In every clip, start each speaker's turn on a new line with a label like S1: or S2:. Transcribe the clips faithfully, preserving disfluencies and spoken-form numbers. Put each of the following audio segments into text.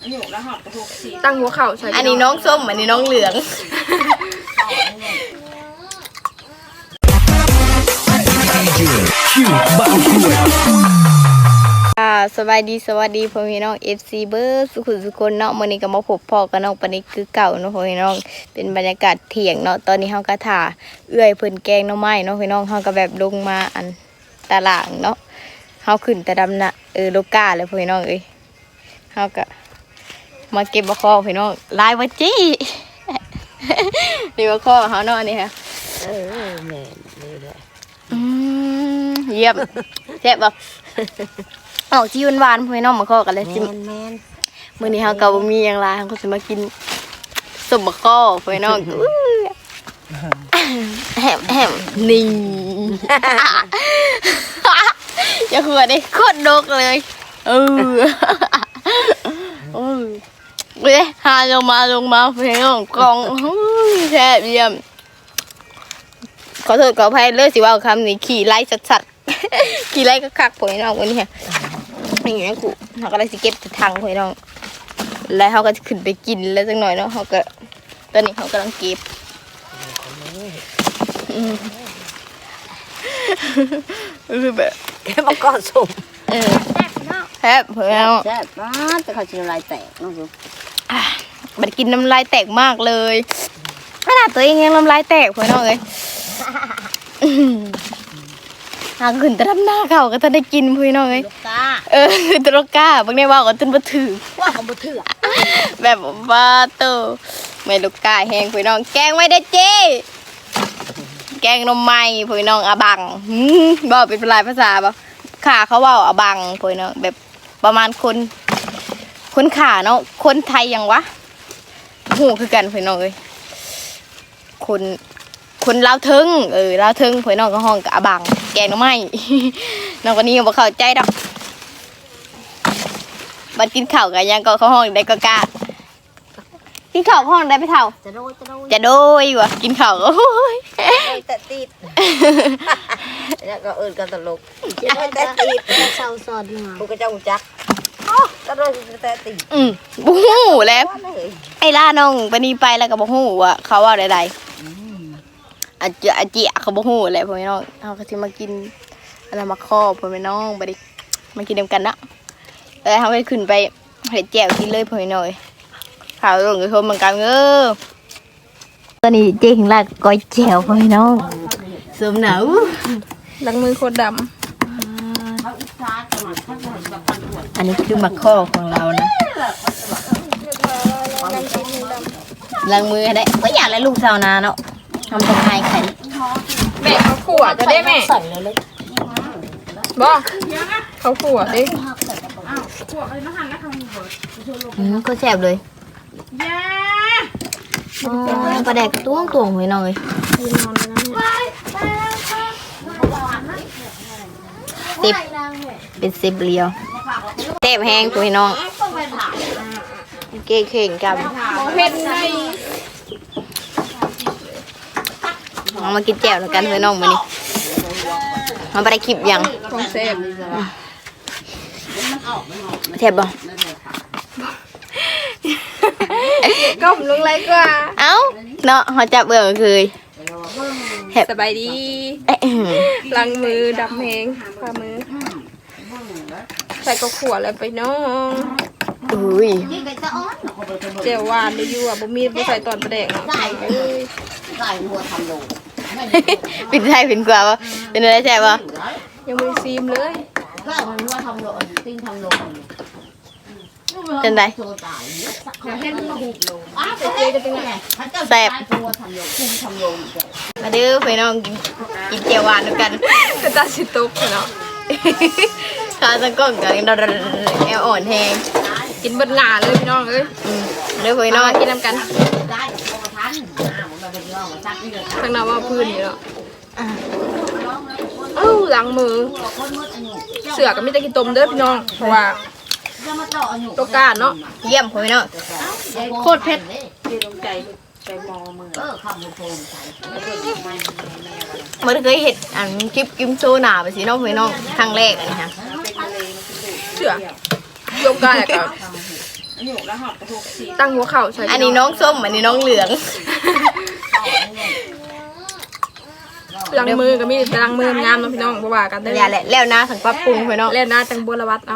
S1: ตั้งหัวเข่าใช่
S2: อันนี้น้องส้มอันนี้น้องเหลืองสบายดีสวัสดีพ่อพี่น้อง เอฟ ซี เบอร์สุขุสุคนเนาะมื้อนี้ก็มาพบพ่อกับน้องปานิกคือเก่าเนาะพ่อพี่น้องเป็นบรรยากาศเที่ยงเนาะตอนนี้เฮาก็ถ่าเอื้อยเพิ่นแกงหน่อไม้เนาะพี่น้องเฮาก็แบบลงมาอันตารางเนาะเฮาขึ้นแต่ดำน่ะเออโลกาเลยพ่อพี่น้องเอ้ยเฮาก็มาเก็บบ่คอพี่น้องลายบ่จี้นี่บ่คอเฮาเนาะนี่ค่ะเออแม่นี่แหละอืมเยี่ยมแซ่บบ่ออกที่หวานๆพี่น้องมาข้อกันเลยจิแม่นมื้อนี้เฮาก็บ่มีหยังหลายเฮาก็สิมากินส้มมะข้อพี่น้องแฮมแฮมนี่อย่าหัวดิโคตรดกเลยเออโอ้ยเว้ยหาลงมาลงมาพี่น้องกองแซ่บเยี่ยมขอโทษขออภัยเลยสิว่าคำนี้ขี่ไล่สัดๆขี่ไล่ก็คักพี่น้องวันนี้อย่างนี้กูเขาก็ได้สิเก็บถังพี่น้องแล้วเขาก็จะขึ้นไปกินแล้วสักหน่อยเนาะเขาก็ตอนนี้เขากำลังเก็บคือแบบ
S3: แค่มาก่อนสุ่ม
S2: เออแซ่บเพื่อน
S3: แซ่บมากแต่เขาจะน้ำลายแตกน้องดู
S2: มันกินน้ำลายแตกมากเลยขนาดตัวเองยังน้ำลายแตกเพื่อนน้องเลยหาขึ้นแต่ทำหน้าเขาก็จะได้กินพี่น้องเลยเออตรก้าบางทีว่าก็จนมาถือ
S3: ว่าเขามาถือ
S2: แบบว่าโตไม่ลูกกาแห้งพี่น้องแกงไม่ได้เจ๊แกงนมไม้พี่น้องอาบังบอกเป็นลายภาษาบ่ขาเขาว่าอาบังพี่น้องแบบประมาณคนคนขาเนาะคนไทยยังวะหูคือกันพี่น้องเลยคนคนลาวทึงเออลาวทึงพี่น้องก็ห้องกับอาบังแกงนมไม้น้องคนนี้ยังบ่เข้าใจดอกบัดกินข้าวกันยังก็เขาห้องได้ก็กล้ากินข้าวห้องได้ไปเท่า
S3: จะโดยจะโดย
S2: จะโดยวะกินข้าวก็โอ้ย
S3: แต่ติดแล้วก็เอิญกันตลกจะโดยแต่ติดเศร้าซอดมาพวกกระเจ้าจักจะโดยแต่ติด
S2: อืมบู๊แล้วไอ้ล่าน้องไปนี่ไปแล้วก็บ่ฮู้ว่าเขาว่าใดๆอาเจียอาเจียเขาบ่ฮู้แหละพ่อแม่น้องเฮาก็สิมากินอะไรมาครอบพ่อแม่น้องบ่ได้มากินนำกันเนาะแล้วเฮาไปขึ้นไปเฮ็ดแจ่วกินเลยพ่อแม่น้อยข่าวลงกระทบเหมือนกันเออตอนนี้เจ๊ถึงลากก้อยแจ่วพ่อแม่น้องสมหนาว
S1: ล้างมือโคตรดำ
S2: อันนี้คือมาข้อของเรานะล้างมือได้ก็อยากให้ลูกสาวนาเนาะทำตรงไห้ไข่
S1: แม่เขาขวดจะได้แม่บ่เขาขวดดิ
S2: อืมก็แซ่บเลยอ๋อปลาแดกต้วงตวงเลยหน่อยสิบเป็นสิบเลียวเต็มแห้งคุยน้องเก่งเข่งกัน
S1: เผ็ดใน
S2: เอามากินแจ่วแล้วกันคุยน้องมานี่มันไปได้คลิปยัง
S1: ของเซฟ
S2: แทบบ่
S1: ก้มลงไรกว่า
S2: เอ้าเนาะเขาจับเบื่อคือ
S1: สบายดีล้างมือดำแหงฝ่ามือใส่กระขวดอะไรไปน้อง
S2: อุ้ย
S1: เจียวหวานเลยอยู่อ่ะบ่มีบ่ใส่ตอนประเดกใส่เลย
S3: ใส่หัวทำโล
S2: เป็นไทยเป็นกว่าปะเป็นอะไรแซ่บปะ
S1: ยังไม่ซีมเลย
S3: ก็หัวทำโลติ้งทำโล
S2: เป็นไรแซ่บมาดื้อไปน้องกินกินเจียวหวานด้วยกัน
S1: ก็ตาสิตุกเนาะ
S2: ข้าวสังก้องกันแอลอ่อนแห้ง
S1: กินเบิดหงาเลยพี่น้องเอ้ย
S2: เด้อไปน้อง
S1: กินน้ำกันทางน้ำว่าพื้นอยู่แล้วเอ้าล้างมือเสือก็ไม่ได้กินต้มเด้อพี่น้องเพราะว่าตัวกาเนาะ
S2: เยี่ยมพี่น้องโคตรเผ็ดมันเคยเห็ดอันคลิปกิมโซนาไปสิน้องพี่น้องครั้งแรกอันนี้ฮะ
S1: เสือตัวกากับตั้งหัวเข่าใส่
S2: อันนี้น้องส้มอันนี้น้องเหลือง
S1: ล้างมือก็มีแต่ล้างมืองามเนาะพี่น้องบ่ว่ากันเด้
S2: อย่าแหละแล้วนะสังปรับปรุงพี่น้อง
S1: เล่นหน้าจังบัวละวัดเอา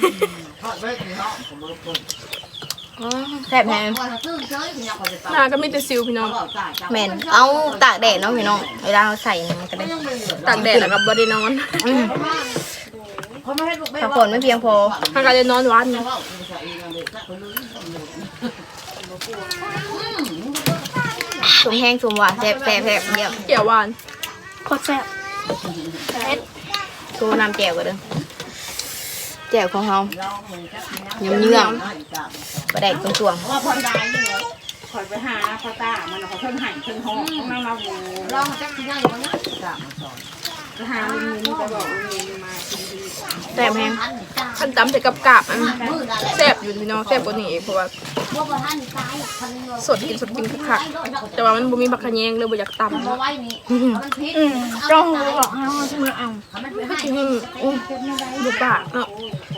S2: แซ่บแฮง
S1: หน้าก็มีแต่ซิวพี่น้อง
S2: แม่นเอาตากแดดเนาะพี่น้องเวลาเราใส่นี่มันก็ได้
S1: ตากแดดแล้วก็บ่ได้นอน
S2: อืมพักผ่อนไม่เพียงพอ
S1: ถ้าก็จะนอนวัน
S2: สมแห้งสมหวานแซ่บแซ่บแซ่บเยี่ยม
S1: เกี่ยวหวาน
S2: โคตรแซ่บตัวน้ำแจ่วกันเด้อแจ่วของเราเยื่อมเยื่อมประแดกตรงช่วง
S4: ว่าพอได้ยังไงคอยไปหาพ่อตามันเขาเพิ่งหั่นเพิ่งห่อของเราเราบูลองจักที่ไหนบ้างนะตามาสอนไปหาลุงลุงจะบอกลุงลุงมากินดี
S2: แซ่บแห้ง
S1: ขั้นตำใส่กับกาบอันแซ่บอยู่พี่น้องแซ่บกว่านี้อีกเพราะว่าสดกินสดกินคักๆแต่ว่ามันบ่มีบักขะแยงเลยบ่อยากตำเนาะ
S2: จ้องบอกให้เอามือเอา
S1: อืมอืมบ่ปากเนาะ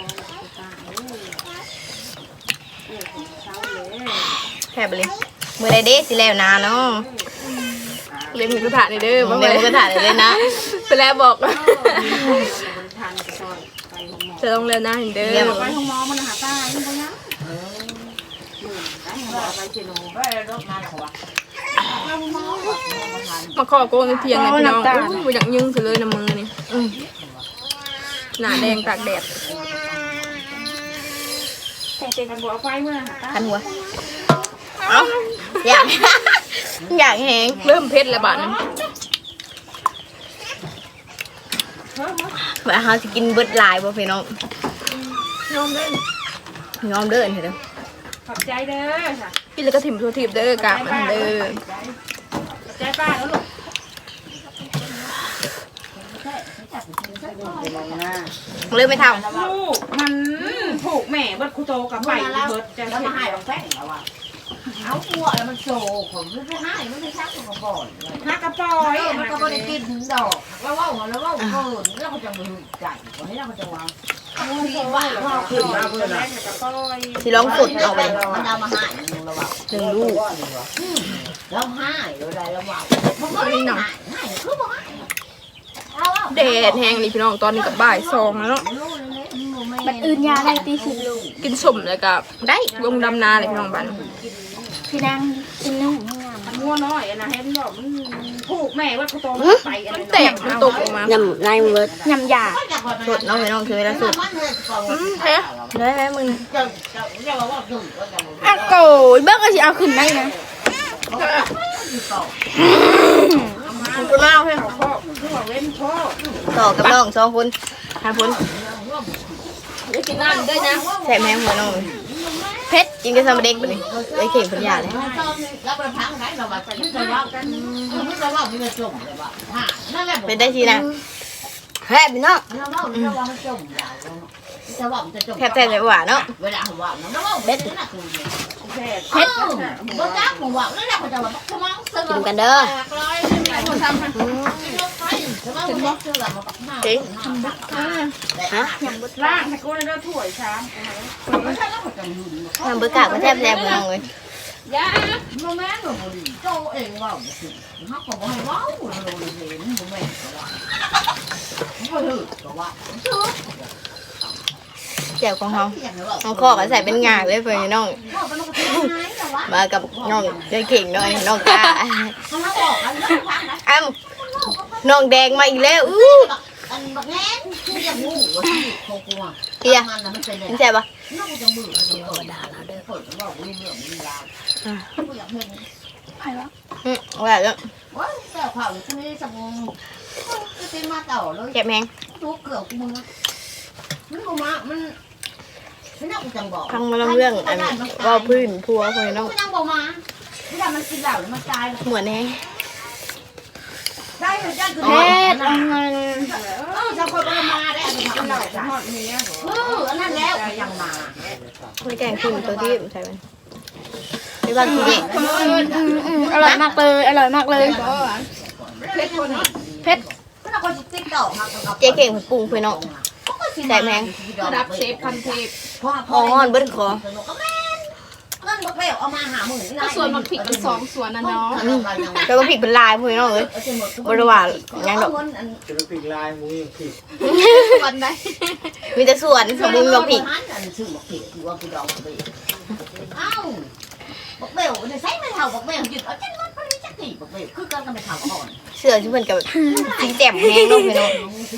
S2: แซ่บเลยมือใดเด้สิแล้วนะเนาะ
S1: เลี้ยงหมูกระทะนี่เด้อ
S2: เดี๋ยวมันก็ถ่ายเลยนะ
S1: ไปแล้วบอก
S4: ทานกระชอยไปห้องหมอ
S1: จะต้องเรียนหน้าเห็นเด้อ
S4: ไปห้องหมอมันหาตายังไงนะเออได้ห้องหมอไปเชโนไปรถมาแล้ววะ
S1: มาขอโกงในเทียงเลยพี่น้องอู้บ่อยากยึงซะเลยน้ำมือนี่อืมหน้าแดงตากแดด
S4: แต่เจกันบัวไฟเมื่อหาตา
S2: คันหัวเอ้าอยาก อยากแห้ง
S1: เริ่มเผ็ดแล้วบาดนั้น
S2: แบบเขาจะกินเบิดหลายบ่พี่น้อง
S1: ยอมเด้อย
S2: อมเดินเถอะเด้อ
S4: ขอบใจเด้อค่ะ
S1: กินแล้วก็ถิ่มทั่วทิพย์เด้อกาบมันเด้อ
S4: ใจป้าแล้วลูก
S2: มันเลยไม่ท
S4: ลูกมันผูกแม่เบิดคุโตกับไปเบิดจะแล้วมาหายเอาแป้งแล้วอ่ะ
S3: เอาหัวแล้วมันโชว์ผมไม่ได้ให้ไม่ได้ชักตัวก่อน
S4: ฮักกระปอย
S3: มันก็ไม่ได้กินดอกแล้วว่าแล้วว่าเกินแล้วก็จะมือใจวันนี้เราก็จะวางที่ว่าเราขึ้นมาเพื่อนนะ
S4: กระปอย
S2: ำสิลองสุดเอาไป
S3: มันเอามาให้เราว่า
S2: หนึ่งลูก
S3: เราให้เราได้เราว่ามันก็ไม่หนักให้คือบอกให้
S1: แดดแห้งนี่พี่น้องตอนนี้กับบ่ายสองแล้วเนาะ
S3: มันอื่นยาได้ตีสิบลูก
S1: กินสมแล้วก็ได้ลงดำนาเลยพี่น้องบ้าน
S3: พี่นางกินนุ่ม
S4: งัวน้อยนะเห็นบอกมันผูกแม่ว่าคุโตไปอะไร
S1: มันแตกมันตกออกมาย
S3: ำนายเวิร์ดยำยา
S2: สุดน้องพี่น้องคือเวลาสุด
S1: อืมแท้
S2: ได้ไหมมึง
S3: อ่ะโกยเบิ้งก็สิเอาขึ้นได้นะ
S2: ขอบคุณมากเพื่อน
S4: พ่อคือว่าเว้นพ่อ
S2: ต่อกับน้องสองคนทานพ้น
S1: ได้กินน้ำด้วยนะ
S2: แซ่บแห้งหัวน้องเพชรกินกับสมเด็กไปเลยไอ้เข่งพันยาเลย
S3: แล้วไปพังไหนเราแบบไปจะว่ากันเราว่ามันจะจมเลยว่านั่นแหละ
S2: เป็นได้ทีนะแซ่บพี่น้อง
S3: เราว่าเราว่ามันจมจะว่ามันจะจม
S2: แซ่บแซ่บหวานเนาะ
S3: เวลาผมว่าเราว่าเบ็ดนะคุณ
S4: แพทย์
S3: เพชรบ่จ้าผมว่านั่นแหละเขาจะว่าสมองสม
S2: กิ
S3: อน ง
S2: กันเด้อ
S3: จริง
S2: ฮะ
S4: ล่างตะโกนแล้วถ้วยชาม
S2: ทำเบอร์กาก็แซ่บแซ่บพี่น้องเลย
S4: ยา
S3: โมแม่หนูโจเองว่าสิเขาก็บอกให้ว้าวเราเลยเห็นโมแม่ก็ว่าเขาถือก็ว่า
S2: แจ่วของเขาน้องข้อก็ใส่เป็นงาเลยเพื่อนน้อง มากับน้องใจเข่งหน่อยน้องกาอ้าวน้องแดงมาอีกแล้วอู้
S3: อันบักแง่คือจะงูว่าที่โคกลัว
S2: เฮีย
S3: มันน่ะมันเป็น
S2: เห็นใช่ปะ
S3: น้องจะมือจะเปิดด่าเราเด้อเปิดว่าอุ้ยเรื่องมีราวกูอยากเห็น
S2: อืมว่าแล้ว
S3: ว้าแต่ข่าวกูนี่สังจะเป็นมาเต่าเลย
S2: เก็บแหง
S3: ทุกเกลือกูมึงมันกูมามันมันน่ากูจังบอก
S2: พังมาลำเรื่องอันว่าพื้นพัวเพื่อนน้อง
S3: กูจังบอกมาที่ทำมันกินเหล้าแล้วมันตาย
S2: เหมือนแห้ง
S3: ได้เลยจ้าคือ
S2: เพ
S3: เ
S2: ชรเอาเงิน
S3: ออจะคนก็มาได้เอาไปทำเหล้าจ้ะ
S4: ทอดเนี้ย
S3: เอออันนั้นแล้วยังมา
S2: ไม่แกงขึ้นตัวที่ใส่มันไม่บ้านกูเด็ก
S5: อร่อยมากเลยอร่อยมากเลย
S1: เพชรคนนี้
S5: เพชร
S3: ก็เราก็จะติ๊กต่อมา
S2: เจ๊เก่งปรุงเพื่อนน้อง
S1: ระดับเชฟพันเทพ
S2: อ่อนเบิ้ลคอ
S3: ก็แม่นบักเบลเอามาหาหมื่น
S1: ก็ส่วนบักผิดเป็นสองส่วนนะเนาะ
S2: แล้วก็ผิดเป็นลายพี่น้องเอ้ยบริวารยังดอก
S6: จะไปปิดลายมูยังผิด
S1: ส่วนใด
S2: มีแต่ส่วนสมบูรณ์กับผิด
S3: ชื่อบักผิดคือว่าคือดองบักเบลเอ้าบักเบลเนี่ยใช้ไม่เท่าบักเบลหยุดเอาจังมันพอดีจักกี่บักเบลคือกันกันไปเท่าก่อน
S2: เสื้อที่เพิ่นกับสีแจ่มแห้งเนาะพี่น้อง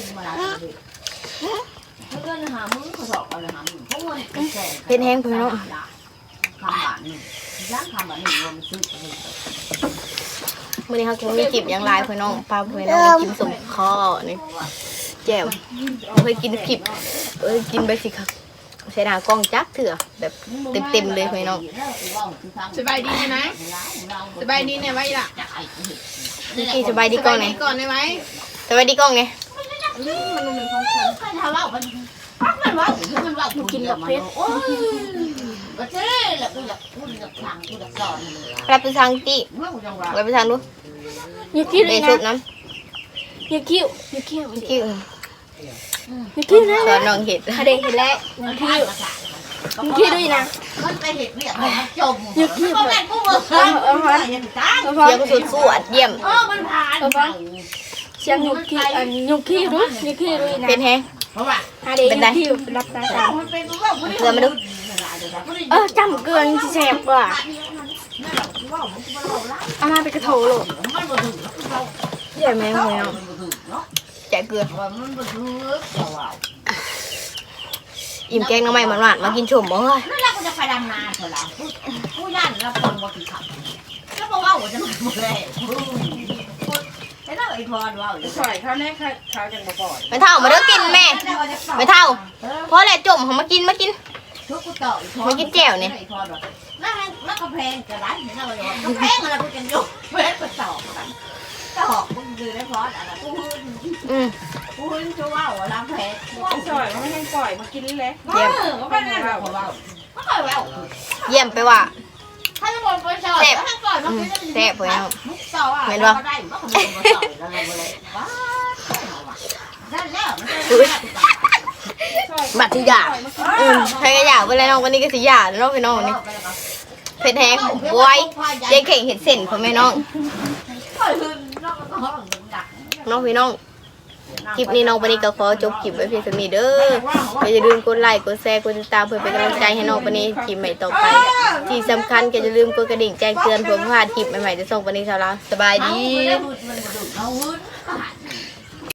S3: เพื่อนหามือเขาสอบอะไรหามือเพราะว่า
S2: เพชรแห้งพี่น้อง
S3: คำบาทนี่ย่างคำบาทนี่รวมซื้อ
S2: มื้อนี้เขาคงมีจิบอย่างหลายพี่น้องปลาพี่น้องกินสมคอนี่แจ่มเคยกินผิดเอ้ยกินไปสิครับใช้หน้ากล้องจักเถื่อแบบเต็มๆเลยพี่น้อง
S1: สบายดีไหมสบายดีเนี่ยไว้ล่ะ
S2: กี่สบายดีกล้องไหน
S1: ก่อนได้ไหม
S2: สบายดีกล้องไหน
S1: มันเป็นของฉัน
S3: มันว่ามันมันว่ามันว่ากินแบบเพชรโอ้ยก็เจ๊แหละกูอยากกูอยากสั่งกูอยากสอน
S2: รับไปทางตี้
S3: เมื่อกูจังหวะ
S2: รับไปทางดู
S5: อย่าคิดเล
S2: เดี๋ย
S5: ยว
S2: ชุ
S5: นะ
S2: บน้
S5: อย่าคิ้วอย่าคิ้ว
S2: ำกิ้ว
S5: อย่าคิ้วนะ
S2: สอนน้องเห็ด
S5: ฮะเด็กเห็นแล้วอย่าคิ้วอย่าคิ้วด้วยนะ
S3: มันไปเห็ดเนี่ยมันจม
S5: อย่าคิ้ว
S3: ก็
S5: เล
S3: แม่
S5: ย
S3: กูบอกว่าอย่างจ้า
S5: เอาพอ
S2: เสียงสุดสวดเยี่ยม
S3: เออมันผ่าน
S5: เสียงหยุกคิ้วอันหยุกคิ้วด้วยอย่าคิ้วด้วยนะ
S2: เป็นแห้ง
S3: เพราะว่า
S5: ฮะเด็กอย่าคิ้วรับตาตา
S3: มันเป็นว่า
S2: เกลือมาดู
S5: เออจำเกินแสบกว่าเอามาเป็นกระโถโล
S3: มันบ่ถึงเรา
S2: ใหญ่ไหมพี่น้อง
S3: มันบ่ถึงเนาะ
S2: แจกเกลือ
S3: ว่ามันบ่ถึงเราเอา
S2: อิ่มแกงน้ำใหม่หวานๆมากินชมบ่เฮ้ย
S3: นั่นแหละกูจะไปดำนาเถอะล่ะกูย่านแล้วคนบ่ถึงขับแล้วบอกว่าจะมาบ่ได้ไอ้เราไอ้พรว่า
S4: ปล่อยเขาแน่ค่ะเขาจังบ่ปล่อย
S2: ไม่เท่ามาเด้อกินแม่ไม่เท่าเพราะแหละจมเขามากินมากิน
S3: ทุกกูต่อแล้วแล้วก็แพงจะร้านเห็นอะไรก็แพงอะไรกูจะยกเว้นไปต่อกันต่อกูดูได้พออะไรกูหื้น
S2: อืม
S3: กูหื้นชัวร์ว่าล้างแผล
S4: ปล่อยมันไม่ให้ปล่อยมากินเลย
S3: เยี่ยมก็ไม่ได้ว่าว่าไม่ค่อยว่า
S2: เยี่ยมไปว่า
S3: ถ้าจะบอกไปชอบถ้าก่อนมันคือ
S2: แซ่บไปเนาะ
S3: ต่ออ่ะเห็นป่ะได้ว่าคนมาต่ออะไรเลยว้าได้แล้วมัน
S2: บัดที่อยากอืมใครก็อยากไปแล้วน้องวันนี้ก็สิอยากแล้วน้องพี่น้องนี่เผ็ดแห้งบวยเจ๊เข่งเห็ดเส้นพ่อแม่น้องน้องพี่น้องคลิปนี้น้องวันนี้ก็ขอจบคลิปไว้เพียงเท่านี้เด้อก็อย่าลืมกดไลค์กดแชร์กดติดตามเพื่อเป็นกำลังใจให้น้องวันนี้คลิปใหม่ต่อไปที่สำคัญก็อย่าลืมกดกระดิ่งแจ้งเตือนเพื่อพลาดคลิปใหม่ๆจะส่งวันนี้เช้าแล้วสบายดี
S3: มันมันมัน